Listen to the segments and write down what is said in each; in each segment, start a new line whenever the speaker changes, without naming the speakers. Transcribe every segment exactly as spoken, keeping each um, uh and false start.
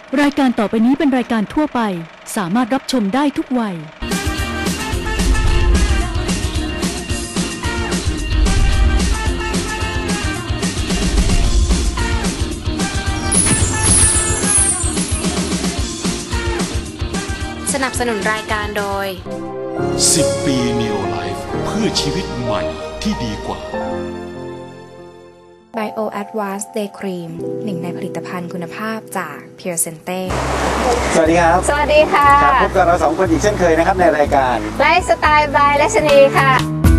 รายการต่อไปนี้เป็นรายการทั่วไปสามารถรับชมได้ทุกวัย
สนับสนุนรายการโดย
สิบปี Neo Life เพื่อชีวิตใหม่ที่ดีกว่า
Bio Advanced Day Cream หนึ่งในผลิตภัณฑ์คุณภาพจาก Pure Sente
สวัสดีครับ
สวัสดีค่ะ
ครับพบกับเราสองคนอีกเช่นเคยนะครับในรายการ
ไลฟ์สไตล์บายรัชนีค่ะ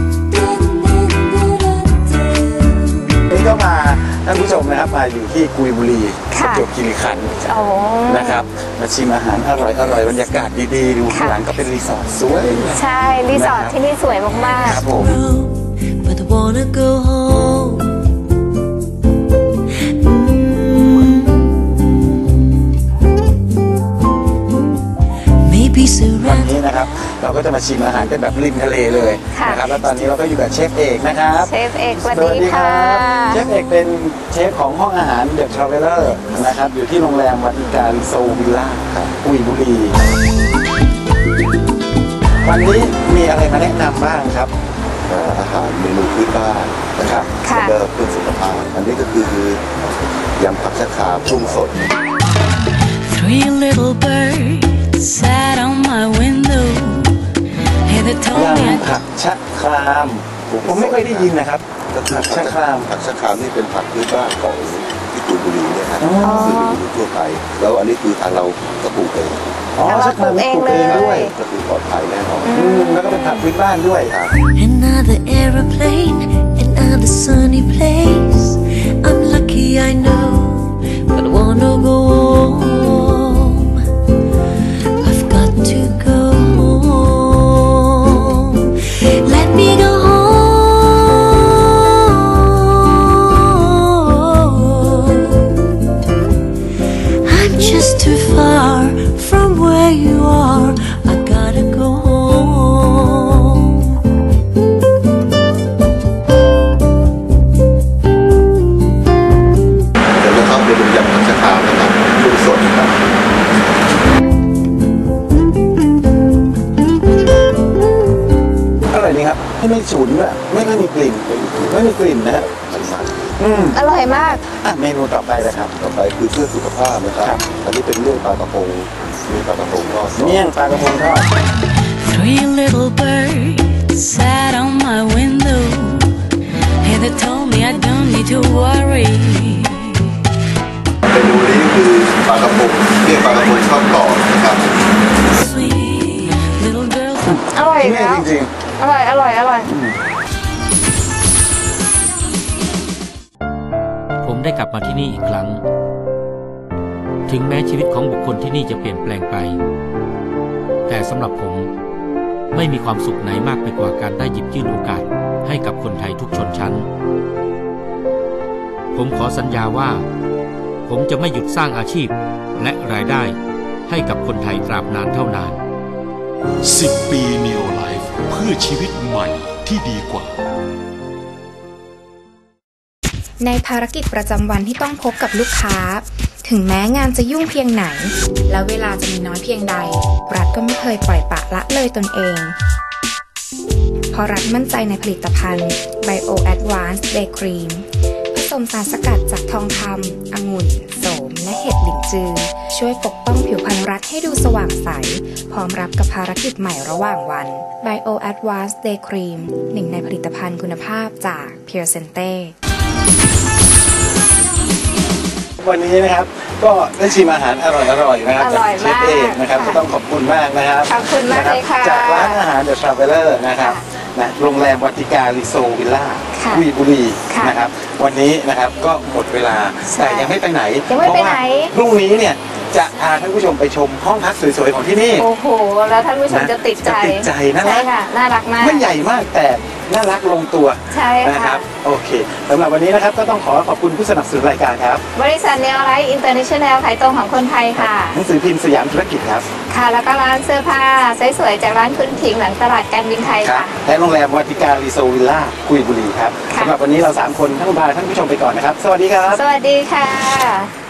นี่ก็มาท่านผู้ชมนะครับมาอยู่ที่กุยบุรีประจวบคีรีขันธ์นะครับมาชิมอาหารอร่อยอร่อยบรรยากาศดีๆดูข้างหลังก็เป็นรีสอร์ทสวย
ใช่รีสอร์ทที่นี่สวยมากๆครับผมวันนี้นะครับเราก็จะมาชิมอาหารกันแบบริมทะเลเลยนะครับแล้วตอนนี้เราก็อยู่กับเชฟเอกนะครับเชฟเอกสวัสดีค่ะ
เชฟเอกเป็นเชฟของห้องอาหารเดอะทราเวลเลอร์นะครับอยู่ที่โรงแรมวัติการโซวิลล่ากุยบุรีวันนี้มีอะไรมาแนะนำบ้างครับ
อาหารเมนูพื้นบ้านนะครับแล้วก็เพื่อสุขภาพอันนี้ก็คือยำผักชะครามปรุงสด
Three little birds sat on my window
ยำผักชะครามผมไม่เคยได้ยินนะครับผักชะคราม
ผักชะครามนี่เป็นผักพื้นบ้านของที่กุยบุรีเนี่ยครับซึ่งอยู่ทั่วไปแล้วอันนี้คือทางเราก็ปลูกเอง
อ๋อชะครามปลูกเองด้วย
ก็คือปลอดภัยแน่นอน
แล้วก็เป็นผักพื้นบ้านด้วยครับ
Another aeroplane another sunny place I'm lucky I know but I wanna go home I've got to go home let me go home I'm just too far from where you are I gotta go home
เดี๋ยวนะครับเดี๋ยวผมยำผักชะครามนะครับปรุงสดครับ
อร่อยดีครับไม่ฉุนด้วยไม่ไม่มีกลิ่นไม่มีกลิ่นนะฮะ
อร่อยมาก
อ่ะเมนูต่อไปเลยครับ
ต่อไปคือเพื่อสุขภาพนะครับอันนี้เป็นเรื่องปลากระพงมีปลากระพงทอด
เมี่ยงปลากระพงทอด
Three little birds sat on my window and they told me I don't need to worry
เมนูนี้คือปลากระพงเรียกปลากระพงทอดกรอบนะครับ
อร่อยแล้วจริงๆอร่อยอร่อยอร่อย
ผมได้กลับมาที่นี่อีกครั้งถึงแม้ชีวิตของบุคคลที่นี่จะเปลี่ยนแปลงไปแต่สำหรับผมไม่มีความสุขไหนมากไปกว่าการได้หยิบยื่นโอกาสให้กับคนไทยทุกชนชั้นผมขอสัญญาว่าผมจะไม่หยุดสร้างอาชีพและรายได้ให้กับคนไทยตราบนานเท่านาน
สิบปี Neo Life เพื่อชีวิตใหม่ที่ดีกว่า
ในภารกิจประจำวันที่ต้องพบกับลูกค้าถึงแม้งานจะยุ่งเพียงไหนและเวลาจะมีน้อยเพียงใดรัฐก็ไม่เคยปล่อยปละละเลยตนเองเพราะรัฐมั่นใจในผลิตภัณฑ์ Bio Advanced Day Cream ผสมสารสกัดจากทองคำองุ่นโสมและเห็ดหลินจือช่วยปกป้องผิวพรรณรัฐให้ดูสว่างใสพร้อมรับกับภารกิจใหม่ระหว่างวัน Bio Advanced Day Cream หนึ่งในผลิตภัณฑ์คุณภาพจาก Pure Sente
วันนี้นะครับก็ได้ชิมอาหารอร่อยๆนะครับจากเชฟเอกนะครับก็ต้องขอบคุณมากนะครับ
ขอบคุณมากเลยค่ะ
จากร้านอาหารเดอะทราเวลเลอร์นะครับนะโรงแรมวัติการรีโซวิลล่ากุยบุรีนะครับวันนี้นะครับก็หมดเวลาแต่ยังไม่ไปไหน
เพราะว่า
พรุ่งนี้เนี่ยจะพาท่านผู้ชมไปชมห้องพักสวยๆของที่นี่
โอ้โหแล้วท่านผู้ชมจะติดใจ
ติดใจน่ารัก
น่ารักมาก
ไม่ใหญ่มากแต่น่ารักลงตัว
ใช่ค่ะ
นะครับโอเคสำหรับวันนี้นะครับก็ต้องขอขอบคุณผู้สนับสนุนรายการครับ
บริษัท Neo Life International ขายตรงของคนไทยค่ะ
หนังสือพิมพ์สยามธุรกิจครับ
ค่ะแล้วก็ร้านเสื้อผ้าสวยๆจากร้านคุณถิงหลังตลาดการบินไทยค่ะ
และโรงแรมวัติการรีโซวิลล่ากุยบุรีครับสำหรับวันนี้เราสามคนทั้งบาร์ท่านผู้ชมไปก่อนนะครับสวัสดีครับ
สวัสดีค่ะ